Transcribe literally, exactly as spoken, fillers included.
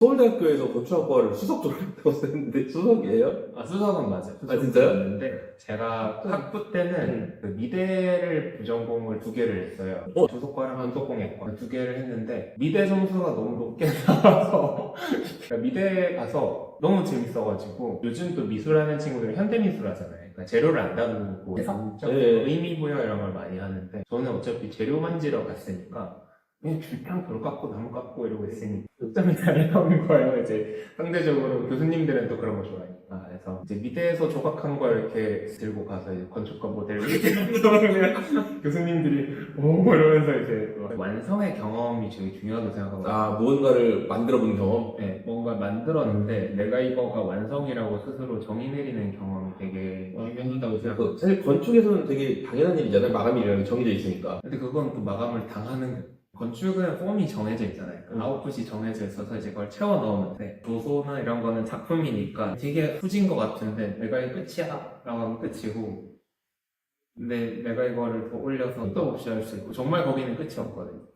서울대학교에서 건축학과를 수석 졸업했다고 썼는데 수석이에요? 아, 수석은 맞아요. 아, 진짜요? 수석이었는데 제가 학부 때는 음. 그 미대를 부전공을 두 개를 했어요. 어? 조속과랑 한국공예과 두 개를 했는데 미대 점수가 너무 높게 나와서 그러니까 미대 가서 너무 재밌어가지고 요즘 또 미술하는 친구들은 현대미술 하잖아요. 그러니까 재료를 안 다루고 해석적 네. 의미부여 이런 걸 많이 하는데 저는 어차피 재료 만지러 갔으니까 그냥 줄탕 돌 깎고 나무 깎고 이러고 있으니 요점이 잘 나오는 거예요. 이제 상대적으로 교수님들은 또 그런 거 좋아하니까. 그래서 이제 미대에서 조각한 걸 이렇게 들고 가서 이제 건축가 모델을 이렇게 그러면 교수님들이 오 이러면서 이제 또 완성의 경험이 되게 중요하다고 생각하거든요. 아, 무언가를 만들어본 경험? 네, 뭔가 만들었는데 내가 이거가 완성이라고 스스로 정의 내리는 경험이 되게 중요하다고 생각해요. 그 사실 건축에서는 되게 당연한 일이잖아요. 마감일이라는 게 정해져 있으니까. 근데 그건 또 마감을 당하는 거예요. 건축은 폼이 정해져 있잖아요. 그 음. 아웃풋이 정해져 있어서 이제 그걸 채워 넣으는데 도소나 이런 거는 작품이니까 되게 후진 것 같은데 내가 이게 끝이야 라고 하면 끝이고 근데 내가 이거를 더 올려서 또 없이 할 수 있고 정말 거기는 끝이 없거든요.